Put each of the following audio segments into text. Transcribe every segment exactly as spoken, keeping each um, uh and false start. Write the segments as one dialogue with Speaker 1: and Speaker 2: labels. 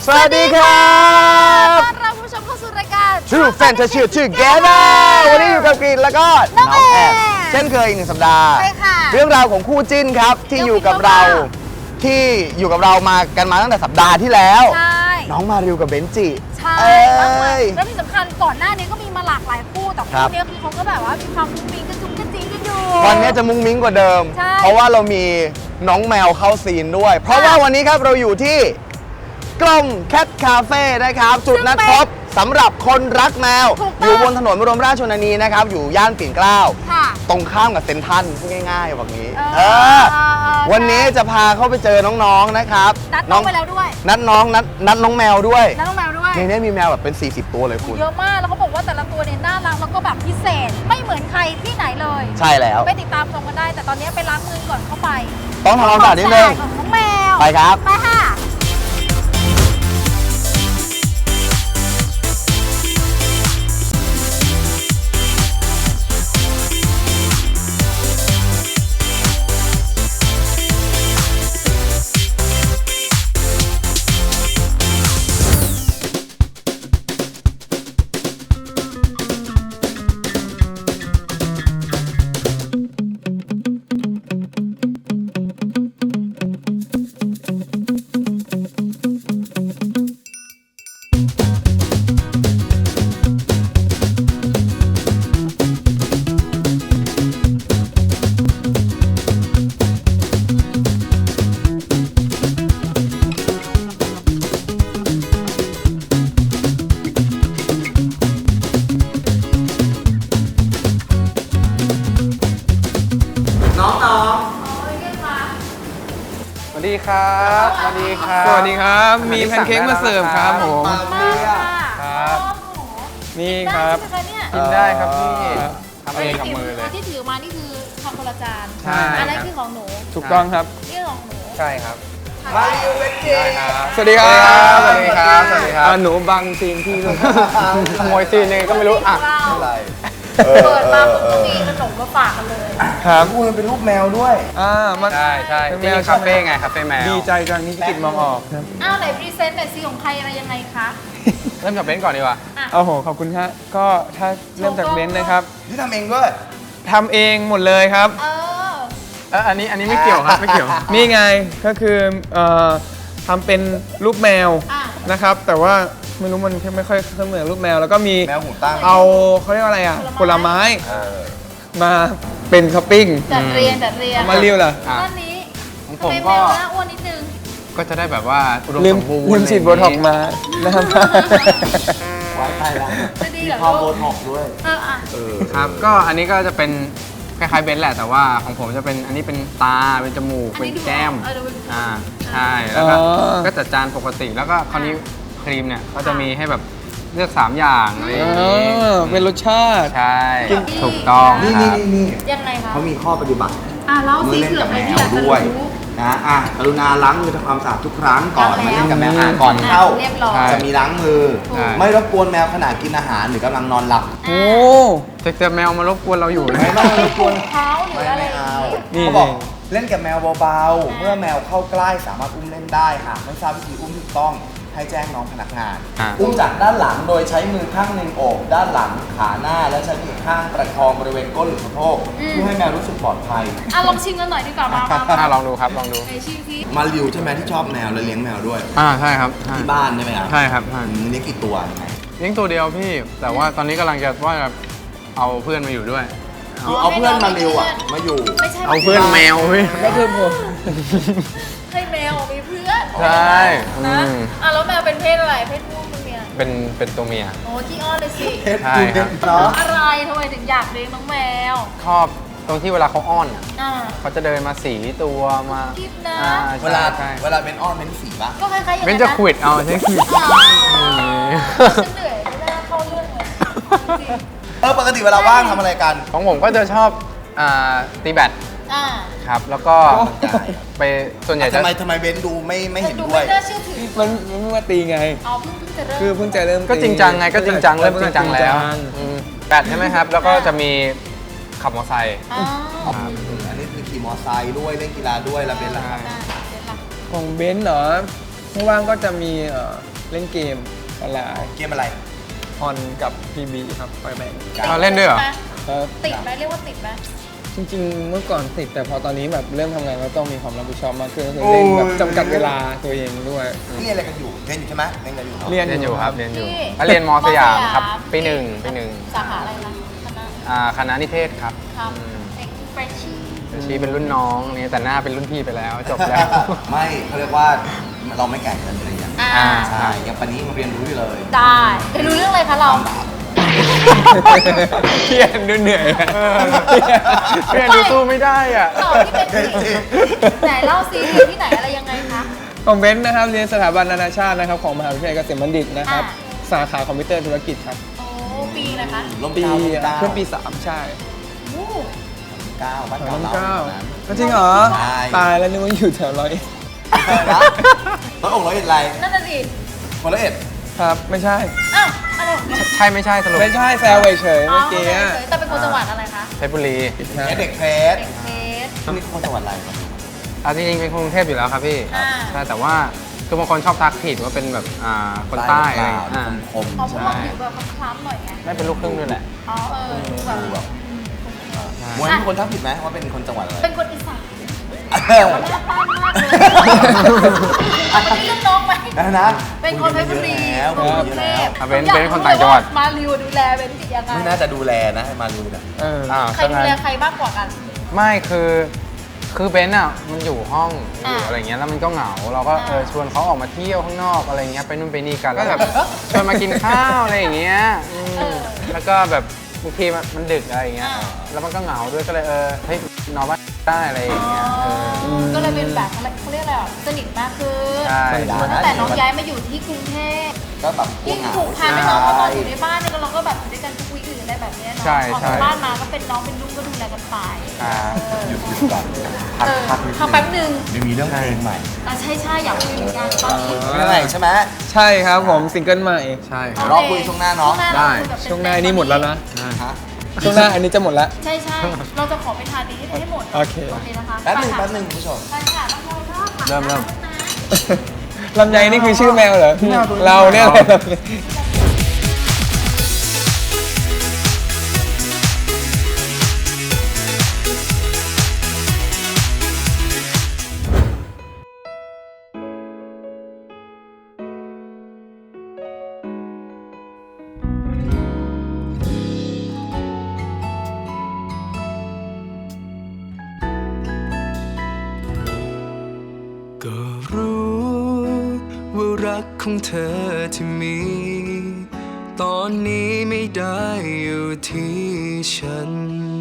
Speaker 1: สวัสดีครับ
Speaker 2: ต้อนรับผู้ชมเข้าสู่รายการ
Speaker 1: True Fantasy Together วันนี้อยู่กับกรีนแล้วก็น้องแอบเช่นเคยอีกหนึ่งสัปดาห์
Speaker 2: ใช่ค่ะ
Speaker 1: เรื่องราวของคู่จิ้นครับที่อยู่กับเราที่อยู่กับเรามากันมาตั้งแต่สัปดาห์ที่แล้ว
Speaker 2: ใช่
Speaker 1: น้องมาริวกับเบนจิ
Speaker 2: ใช่
Speaker 1: เอ้
Speaker 2: มากมาย
Speaker 1: ย
Speaker 2: แล้วที่สำคัญก่อนหน้านี้ก็มีมาหลากหลายคู่แต่
Speaker 1: ครั
Speaker 2: คู่
Speaker 1: บ
Speaker 2: เนี้ยคือเขาก็แบบว่ามีความมุ้งมิ้งกระจุงกระจิงกันอยู่
Speaker 1: วันนี้จะมุ้งมิ้งกว่าเดิม
Speaker 2: ใช่
Speaker 1: เพราะว่าเรามีน้องแมวเข้าซีนด้วย เพราะว่าวันนี้ครับเราอยู่ที่กลมแคทคาเฟ่นะครับ จุดนัดพบสำหรับคนรักแมว อยู่บนถนนบรมราชชนนีนะครับ อยู่ย่านปิ่นเกล้า
Speaker 2: ค่ะ
Speaker 1: ตรงข้ามกับเซ็นทรัลพูดง่ายๆแบบนี้
Speaker 2: เออ
Speaker 1: เออ วันนี้จะพาเข้าไปเจอน้องๆนะครับ
Speaker 2: นัดน้องไปแล้วด้วย
Speaker 1: นัดน้องนัดนัดน้องแมวด้วย
Speaker 2: นัดน้องแมวด้วย
Speaker 1: ในนี้มีแมวแบบเป็น สี่สิบ ตัวเลยคุณ
Speaker 2: เยอะมากแล้วเขาบอกว่าแต่ละตัวเนี่ยน่ารักแล้วก็แบบพิเศษไม่เหมือนใครที่ไหนเลย
Speaker 1: ใช่แล้ว
Speaker 2: ไปติดตามชมกันได้ แต่ตอนนี้ไปล้างมือก่อนเข้าไป
Speaker 1: ต้องทำความสะอาดนิดนึง
Speaker 2: ของน้องแมว
Speaker 1: ไปครับ
Speaker 2: ไปค่ะ
Speaker 1: น้องน้อง
Speaker 3: สวัสดีครับสวัสดีครับ
Speaker 4: สวัสดีครับ มีแพนเค้กมาเสิร์ฟครับผม
Speaker 2: มากค่ะ
Speaker 3: ครับ
Speaker 4: นี่ครับ
Speaker 2: ได้ใช่ไหมคะเนี่ย
Speaker 3: กินได้ครับพี่
Speaker 4: ครับ
Speaker 3: ทำเองกับมือเลย
Speaker 2: ที่ถือมานี่คือทำคนละจาน
Speaker 4: ใช่
Speaker 2: อันนั้นคือของหนู
Speaker 4: ถูกต้องครับ
Speaker 2: นี่คือของหนู
Speaker 3: ใช่ครับ
Speaker 1: มาริวเบนจิ
Speaker 3: ได้ครับ
Speaker 4: สวัสดีครับ
Speaker 3: สวัสดีครับสวัสดีครับ
Speaker 4: อ่าหนูบังซีนพี่ด้วย
Speaker 3: ขโมยซีนยังไงก็ไม่รู้อ่ะ
Speaker 2: เรา
Speaker 1: อะไร
Speaker 2: เปิดมาปุ๊บก็มีขนมมาฝากกันเลย
Speaker 4: ครับ
Speaker 1: พูดมันเป็นรูปแมวด้วย
Speaker 4: อ่ามัน
Speaker 3: ใช่ใช่
Speaker 4: เป็นแม
Speaker 3: ที่
Speaker 4: ว
Speaker 3: คาเฟ่ไงคาเฟ่แมว
Speaker 4: ดีใจจังที่พี่กิตมองออกครับ
Speaker 2: อ้าวไหนพรีเซนต์หน่อยซิของใครอะไรยังไงคะ
Speaker 3: เริ่มจากเบนซ์ก่อนดีกว่า
Speaker 2: อ่ะ
Speaker 4: โอ้โห ขอบคุณฮะก็ถ้าเริ่มจากเบนซ์นะครับ
Speaker 1: ที่ทำเองด้วย
Speaker 4: ทำเองหมดเลยครับ
Speaker 2: เออ
Speaker 3: เอออันนี้อันนี้ไม่เกี่ยวครับไม่เกี่ยว
Speaker 4: นี่ไงก็คือเอ่อทำเป็นรูปแมว
Speaker 2: อ่ะ
Speaker 4: นะครับ แต่ว่าไม่รู้มันไม่ค่อยเหมือนรูปแมว แล้วก็มี
Speaker 1: แมวหูตั้ง
Speaker 4: เอาเขาเรียกว่าอะไรอ่ะ
Speaker 2: ผ
Speaker 4: ผ
Speaker 2: ล
Speaker 4: ล
Speaker 2: ไม้
Speaker 4: ไม้
Speaker 1: เออ
Speaker 4: มาเป็นท็อปปิ้ง
Speaker 2: จัดเรียงจัดเรียง
Speaker 4: มาเรียวล่ะ
Speaker 3: อ่ะ
Speaker 2: ด้านนี้
Speaker 3: ของผ
Speaker 2: ทำ
Speaker 3: ม
Speaker 2: ไมแม
Speaker 3: ก็
Speaker 2: วหน้าอ้วนนิดนึง
Speaker 3: ก็จะได้แบบว่าอุดม
Speaker 4: ลื
Speaker 3: ส
Speaker 4: ม
Speaker 3: มบูรณ์
Speaker 4: ลืมฉีดโบท็อกซ์มานะครับ
Speaker 1: ไว้ตายแล้ว
Speaker 2: จะดี
Speaker 1: มี
Speaker 2: เหรอ
Speaker 1: ความโบ
Speaker 2: ลูก
Speaker 1: ท็อกซ์ด้วย
Speaker 2: เอออ่ะ
Speaker 1: เออ
Speaker 3: ครับก็อันนี้ก็จะเป็นคล้ายๆเบนซ์แหละแต่ว่าของผมจะเป็นอันนี้เป็นตาเป็นจมูก
Speaker 2: อัน
Speaker 3: เป็น
Speaker 2: นี้ดู
Speaker 3: แก้ม
Speaker 2: เออดูเป็น
Speaker 3: อ่าใช่แล้วก็
Speaker 4: อ๋อ
Speaker 3: ก็จัดจานปกติแล้วก็คราวนี้ครีมเนี่ยก็จะมีให้แบบเลือกสามอย่างอะไรอย่าง
Speaker 4: เอ
Speaker 3: นี้
Speaker 4: อเป็นรสชาติ
Speaker 3: ใช่
Speaker 2: กิน
Speaker 3: ถูกต้อง
Speaker 1: นี่
Speaker 3: ค
Speaker 1: นี่
Speaker 3: รับ
Speaker 1: นี่นี่
Speaker 2: ยังไงคะ
Speaker 1: เขามีข้อปฏิบัติ
Speaker 2: อ่ะเล่า
Speaker 1: เมื่
Speaker 2: สิ
Speaker 1: อเล่น
Speaker 2: เผื่อ
Speaker 1: กับ
Speaker 2: ใคร
Speaker 1: แม
Speaker 2: ที่
Speaker 1: ว
Speaker 2: อยากจะ
Speaker 1: ด้วย
Speaker 2: รู้
Speaker 1: นะอ่ะกรุณาล้างมือทำความสะอาดทุกครั้งก่อน
Speaker 2: ล้าง
Speaker 1: มา
Speaker 2: แล้ว
Speaker 1: เล่นกับแมวอ่ะก่อนเข้า
Speaker 2: เรียบร้อย
Speaker 3: ใช่
Speaker 1: จะมีล้างมือ
Speaker 3: ใช่
Speaker 1: ไม่รบกวนแมวขณะกินอาหารหรือกำลังนอนหลับ
Speaker 4: โอ้
Speaker 3: แต่แต่แมวมารบกวนเราอยู่นะ
Speaker 1: ไม่ต้องรบกวน
Speaker 2: เท้าหรือ
Speaker 1: ไม่
Speaker 2: อะไร
Speaker 1: ไม่
Speaker 2: อย่าง
Speaker 1: เอา
Speaker 2: งี้
Speaker 4: นี่
Speaker 1: เขาบอกเล่นกับแมวเบาๆ เมื่อแมวเข้าใกล้สามารถอุ้มเล่นได้หากไม่ทราบวิธีอุ้มถูกต้องให้แจ้งน้องพนักงาน
Speaker 3: อ่ะ
Speaker 1: อุ้มจากด้านหลังโดยใช้มือข้างหนึ่งโอบด้านหลังขาหน้าและใช้มือข้างประคองบริเวณก้นหรือสะโพกเพื่อให้แมวรู้สึกปลอดภัย
Speaker 2: อ่ะลองชิมกันหน่อยดีกว่ามามา
Speaker 3: อ่ะ
Speaker 2: มา
Speaker 3: ลองดูครับลองดู
Speaker 2: ไหนชิมสิ
Speaker 1: มาริวใช่ไหมที่ชอบแมวและเลี้ยงแมวด้วย
Speaker 3: อ่าใช่ครับใช่
Speaker 1: ที่บ้านใช่ไหมครับ
Speaker 3: ใช่ครับใช่
Speaker 1: อืมเลี้ยงกี่ตัวยังไง
Speaker 3: เลี้ยงตัวเดียวพี่ แต่ว่าตอนนี้กำลังจะว่าจะเอาเพื่อนมาอยู่ด้วย
Speaker 1: คือเอาเพื่อนมาริวอ่ะมาอยู่
Speaker 2: ไม่ใช่
Speaker 3: เอาเพื่อนแมวพี่
Speaker 4: ก็คือผม
Speaker 2: ให้แมวมีเพื่อน
Speaker 3: ใช่
Speaker 2: นะ
Speaker 3: อืม
Speaker 2: อ่ะแล้วแมวเป็นเพศอะไรเพศผู้เป็นเมีย
Speaker 3: เป็นเป็นตัวเมีย
Speaker 2: โอ้ขี้อ้อนเลยสิ
Speaker 1: เพชร
Speaker 3: ใช่
Speaker 1: ดู
Speaker 3: ครั
Speaker 1: เด็
Speaker 3: บ
Speaker 1: กเนาะ
Speaker 2: อะไรทำไมถึงอยากเลี้ยงน้องแมว
Speaker 3: ชอบตรงที่เวลาเขาอ้อนอ่ะ
Speaker 2: อ่า
Speaker 3: เขาจะเดินมาสีตัวมา
Speaker 2: กิ๊บนะ
Speaker 3: อ่า
Speaker 1: เวลา
Speaker 3: ใช่
Speaker 1: เวลาเป็นอ้อนเป็นสีปะ
Speaker 2: ก็คล้ายๆอย่าง
Speaker 3: เบน
Speaker 2: นั้น
Speaker 3: จะขวิดเอาใช่ขวิด
Speaker 2: อ๋อฉันเหนื่อยไม่น่าเข้าเรื่องเลยจริง
Speaker 1: เออปกติเวลาว่างทำอะไรกัน
Speaker 3: ของผมก็จะชอบอ่าตีแบด
Speaker 2: ๆอ่า
Speaker 3: ครับ แล้วก็ไปส่วนใหญ่จะ
Speaker 1: ทำไมทำไมเบนดูไม่ไม่
Speaker 2: แต่
Speaker 1: เห็น
Speaker 2: ดู
Speaker 1: ด้วย
Speaker 2: ไม่น่าเชื่อถือ
Speaker 4: มันมันเพิ่งมาตีไง
Speaker 2: อ๋อเพิ่งเพิ่งจะเริ่ม
Speaker 4: คือเพิ่งจะเริ่ม
Speaker 3: ก็จริงจังไงก็จริงจังเริ่มจริงจังแล้ว
Speaker 4: จริง
Speaker 3: อืมแบดใช่ไหมครับ แล้วก็จะมีขับมอเตอร์ไซค์
Speaker 2: อ๋อ
Speaker 1: อันนี้คือขี่มอไซค์ด้วยเล่นกีฬาด้วยแล้วเบนล่ะครับ
Speaker 2: อ่าเดี๋ยวล่ะ
Speaker 4: ของเบนซ์เหรอว่างๆก็จะมีเอ่อเล่นเกมออนไลน์
Speaker 1: เกมอะไร
Speaker 4: ออนกับ พี บี ครับไฟแบงค์
Speaker 3: เราเล่นด้วยเหรอ
Speaker 4: ครับ
Speaker 2: ติดไหมเรียกว่าติดไหม
Speaker 4: จริงๆ เมื่อก่อนติดแต่พอตอนนี้แบบเริ่มทำงานแล้วต้องมีความรับผิดชอบมากขึ้นก็คือเล่นแบบจำกัดเวลาตัวเองด้วย
Speaker 1: นี่เรียนอะไรกันอยู่เรียนอยู่ใช่ไหมเรียนกันอยู่เนอะ
Speaker 4: เรียน
Speaker 3: เรียนอยู่ครับเรียนอยู่
Speaker 2: ที่
Speaker 3: ก็เรียนมสยามครับ
Speaker 2: มสยาม
Speaker 3: ปีหนึ่งปีหนึ่ง
Speaker 2: สาขาอะไรนะคณะ
Speaker 3: อ่าคณะนิเทศครับ
Speaker 2: ทำเอ็กซ์เพรสชี่
Speaker 3: ชีเป็นรุ่นน้องนี่แต่หน้าเป็นรุ่นพี่ไปแล้วจบแล้ว
Speaker 1: ไม่เขาเรียกว่าเราไม่แก่กันเลยอย่าง
Speaker 2: อ่า
Speaker 3: อ่า
Speaker 1: ใช่ยังปานนี้มาเรียนรู้อยู่เลย
Speaker 2: ได้เรียนรู้เรื่องอะไรคะเรา
Speaker 4: เครียดดูเหนื่อยอะ
Speaker 3: เพื่อนดูสู้ไม่ได้อ่ะ
Speaker 2: ต่อที่เป็นสิไหนเล่าซิเรียนที่ไหนอะไรยังไงคะ
Speaker 4: ของเบนซ์นะครับเรียนสถาบันนานาชาตินะครับของมหาวิทยาลัยเกษมบัณฑิตนะครับ
Speaker 2: อ่า
Speaker 4: สาขาคอมพิวเตอร์ธุรกิจครับ
Speaker 2: โอ้ปีนะคะ
Speaker 1: ร่ม
Speaker 4: ปี
Speaker 1: เกล้าร่มเกล้า
Speaker 4: เพิ่งปีสามใช่
Speaker 2: โอ้
Speaker 1: เก้าบ้าน
Speaker 4: สอง
Speaker 1: เก่า
Speaker 4: พัน
Speaker 1: เรา
Speaker 4: เก้า
Speaker 1: นั้น
Speaker 4: จริงเหรอ
Speaker 1: ใช่
Speaker 4: ตายแล้วนึกว่าอยู่แถวร้อยเอ็ด
Speaker 1: นะร้อยองค์ร้อยเอ็ดไร
Speaker 2: นั่นน่ะสิ
Speaker 1: คนร้อยเอ็ด
Speaker 4: ครับไม่ใช่
Speaker 2: อ้าวอะไรของมัน
Speaker 3: ใช่ไม่ใช่สรุป
Speaker 4: ไม่ใช่แซวเฉยๆ
Speaker 2: อ๋อ
Speaker 4: เมื่อกี้
Speaker 2: เฉ
Speaker 4: อะ
Speaker 2: ยๆแต่เป็นคนจังหวัดอะไรคะ
Speaker 3: เพชรบุรี
Speaker 4: นะ
Speaker 1: เนี่ยเด็กเพชร
Speaker 2: เด็กเพชร
Speaker 1: นี่คนจังหวัดอะไร
Speaker 3: เอาจริงๆเป็นคนกรุงเทพอยู่แล้วครับพี่
Speaker 2: อ่า
Speaker 3: ใช่แต่ว่าคือบางคนชอบทักผิดว่าเป็นแบบอ่าคนใต้อะไรอย่างเงี้ยอ่า
Speaker 1: คม
Speaker 2: อ๋อ
Speaker 1: ๆ
Speaker 2: เพราะ
Speaker 1: ใช่
Speaker 2: ว่าผิวแบบคล้ำๆหน่อยไง
Speaker 3: ได้เป็นลูกครึ่งด้วยแหละ
Speaker 2: อ๋อเออดูแบบ
Speaker 1: ดูแบบ
Speaker 2: อืม
Speaker 1: มวยมีคนทักผิดไหมว่าเป็นคนจังหวัดอะไร
Speaker 2: เป็นคนอีสาน
Speaker 1: เออ
Speaker 2: หน้าบ้านมากเลยเอาไปเรื่องน้องไหม
Speaker 1: นะนะ
Speaker 2: เป็นคนเพชรบุรี
Speaker 1: แล้ว
Speaker 2: กรุง
Speaker 1: เยอะ
Speaker 2: เท
Speaker 1: แล้ว
Speaker 2: พ
Speaker 3: อ่ะเป็นเป็นคนต่างจังหวัด
Speaker 2: มาริวดูแลเป็นจิตยังไง
Speaker 1: ไม่น่าจะดูแลนะให้มาดูนะ
Speaker 4: เออ
Speaker 3: อ่า
Speaker 2: ใครดูแลใครมากกว่ากัน
Speaker 3: ไม่คือคือเบนซ์อ่ะมันอยู่ห้องอยู่
Speaker 2: อ่า
Speaker 3: อะไรเงี้ยแล้วมันก็เหงาเราก็เออ
Speaker 2: อ่า
Speaker 3: ชวนเขาออกมาเที่ยวข้างนอกอะไรเงี้ยไปนู่นไปนี่กันแล้วแบบชวนมากินข้าวอะไรอย่างเงี้ยอืม
Speaker 2: เออ
Speaker 3: แล้วก็แบบบางทีมันมันดึกอะไรอย่างเงี้ย
Speaker 2: อ่า
Speaker 3: แล้วมันก็เหงาด้วยก็เลยเออเฮ้ยนอนบ้านได้อะไรอย่างเงี้ยเออ
Speaker 2: ก็เลยเป็นแบบเขาเรียกอะไรอ่ะสนิทมากขึ้น
Speaker 3: ใช่
Speaker 2: ตั้งแต่น้องย้ายมาอยู่ที่กรุงเทพ
Speaker 1: ก็แบบกลัว
Speaker 2: ยิ่ง
Speaker 1: เหงา
Speaker 2: ผูกพันด้วยน้องเพราะตอนอยู่ในบ้านเนี่ยเราก็แบบอยู่ด้วยกันทุกวีคอื่นอะไรแบบเนี้ยเนาะ
Speaker 3: ใช่
Speaker 2: ออก
Speaker 3: ใช่
Speaker 2: จากบ้านมาก็เป็นน้องเป็นลูกก็ดูแลกันไป
Speaker 3: อ่า
Speaker 2: เออ
Speaker 1: หยุดหยุดก่อน
Speaker 2: เออพักแป๊บนึง
Speaker 1: เดี๋ยวมีเรื่องเพลงใหม่
Speaker 2: อ่ะใช่ใช่อยากคุยเหมือนกันตอนนี้
Speaker 1: เรื่องอะไรใช่ไหม
Speaker 4: ใช่ครับผมซิงเกิลใหม่
Speaker 3: ใช่ค
Speaker 2: โอ
Speaker 3: รับ
Speaker 2: เค
Speaker 1: รอคุยช่วงหน้าเนอะ
Speaker 2: ช่วงห
Speaker 3: ได้
Speaker 2: เราคุยแบบ
Speaker 4: ช่วงหน้านี่หมดแล้วนะ
Speaker 1: ฮะ
Speaker 4: ช่วงหน้าอันนี้จะหมดแล้ว
Speaker 2: ใช่ใช่เราจะขอไปทานนี้ให้หมด
Speaker 4: โอเค
Speaker 2: โอเคนะคะ
Speaker 1: แป๊บหนึง
Speaker 2: ไปค่ะ
Speaker 1: แป๊บหนึงคุณผู้ชม
Speaker 2: ไปค่ะต้องรอรอบค่ะ
Speaker 3: เริ่มเริ่ม
Speaker 4: ลำไยนี่คือชื่อแมวเหรอ เราเนี่ยแหละ
Speaker 5: ก็รู้ว่ารักของเธอที่มี ตอนนี้ไม่ได้อยู่ที่ฉัน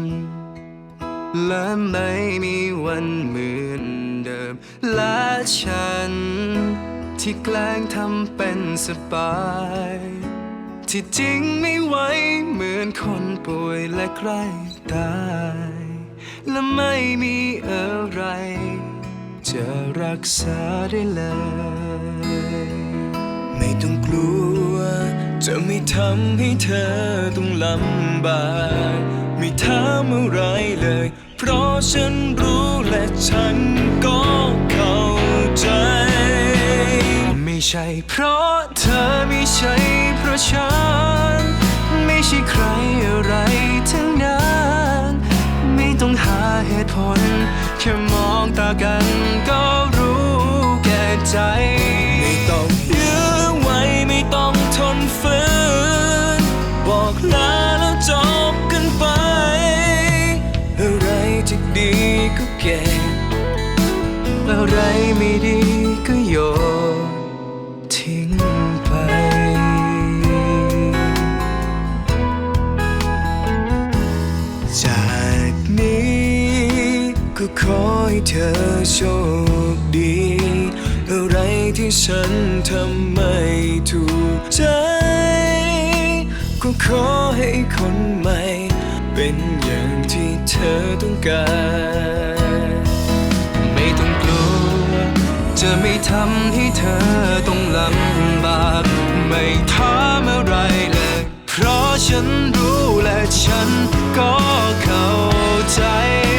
Speaker 5: และไม่มีวันเหมือนเดิม และฉัน ที่แกล้งทำเป็นสบาย ที่จริงไม่ไหวเหมือนคนป่วยและใกล้ตาย และไม่มีอะไร จะรักษาได้เลย ไม่ต้องกลัว จะไม่ทำให้เธอต้องลำบากไม่ถามอะไรเลย เพราะฉันรู้และฉันก็เข้าใจ ไม่ใช่เพราะเธอไม่ใช่เพราะฉัน ไม่ใช่ใครอะไรทั้งนั้นไม่ต้องหาเหตุผลแค่มองตากันก็รู้แก่ใจ ไม่ต้องยื้อไว้ไม่ต้องทนฝืนบอกลาแล้วจบกันไป อะไรที่ดีก็เก็บอะไรไม่ดีก็โยนทิ้งไป จากนี้ก็ขอให้เธอโชคดี อะไรที่ฉันทำไม่ถูกใจ ก็ขอให้คนใหม่ เป็นอย่างที่เธอต้องการ ไม่ต้องกลัว จะไม่ทำให้เธอต้องลำบากไม่ถามอะไรเลย เพราะฉันรู้และฉันก็เข้าใจ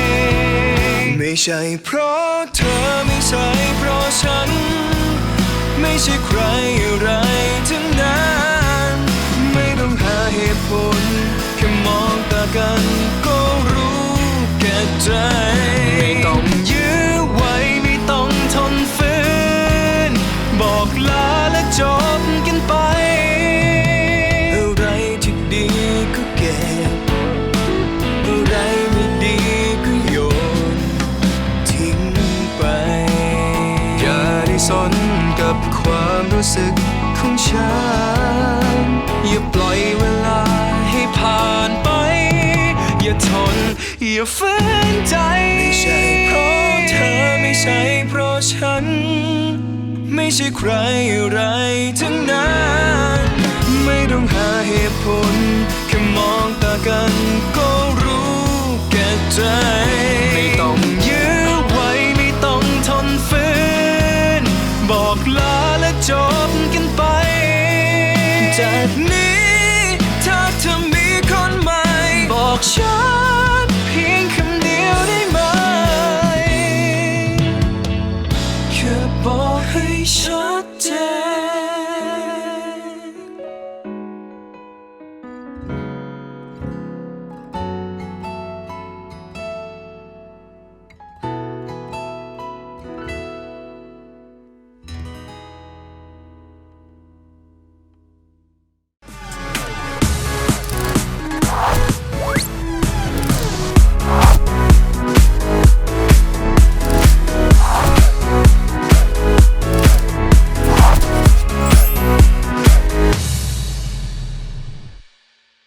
Speaker 5: ไม่ใช่เพราะเธอไม่ใช่เพราะฉันไม่ใช่ใครอะไรทั้งนั้นไม่ต้องหาเหตุผลแค่มองตากันก็รู้แก่ใจไม่ต้องยื้อไว้ไม่ต้องทนฝืนบอกลาและจบกันไปอะไรที่ดีก็เก็บอะไรไม่ดีก็โยนทิ้งไปอย่าได้สนกับความรู้สึกของฉันอย่าปล่อยเวลาให้ผ่านไปอย่าทนอย่าฝืนใจไม่ใช่เพราะเธอไม่ใช่เพราะฉันไม่ใช่ใครอะไรทั้งนั้นไม่ต้องหาเหตุผลแค่มองตากันก็รู้แก่ใจไม่ต้องยื้อไว้ไม่ต้องทนฝืนบอกลาและจบกันไปจากนี้ถ้าเธอมีคนใหม่บอกฉัน